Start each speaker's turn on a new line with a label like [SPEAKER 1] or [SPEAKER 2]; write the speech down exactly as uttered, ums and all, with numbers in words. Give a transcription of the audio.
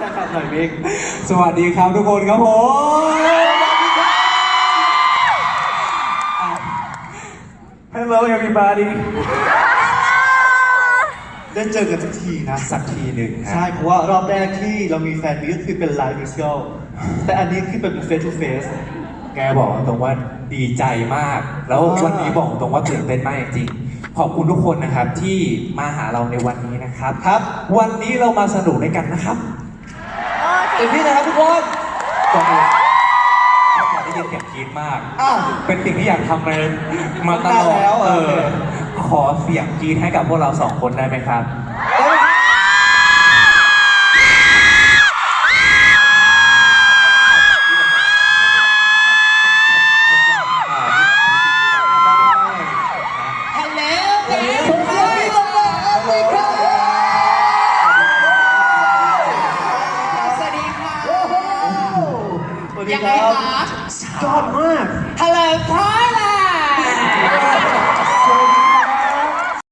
[SPEAKER 1] ครับหน่อยมิก
[SPEAKER 2] สวัสดีครับทุกคนครับผมฮัลโหล everybody
[SPEAKER 1] ได้เจอกันสักทีนะ
[SPEAKER 2] สักทีหนึ่ง
[SPEAKER 1] ใช่เพราะว่ารอบแรกที่เรามีแฟนมีก็คือเป็นไลฟ์มิวสิคัลแต่อันนี้คือเป็นเฟสทูเฟส
[SPEAKER 2] แกบอกตรงว่าดีใจมาก แล้ววันนี้บอกตรงว่าตื่นเต้นมากจริงขอบคุณทุกคนนะครับที่มาหาเราในวันนี้นะครับ
[SPEAKER 1] ครับ
[SPEAKER 2] วันนี้เรามาสนุกด้วยกันนะครับ
[SPEAKER 1] เต็มที่นะครับทุกคน
[SPEAKER 2] ก่อนอื่นขอได้ยินเสียงกรี๊ดมากเป็นสิ่งที่อยากทำเลยมาตลอดเออขอเสียงกรี๊ดให้กับพวกเราสองคนได้ไหมครับ
[SPEAKER 3] ยังไงคะ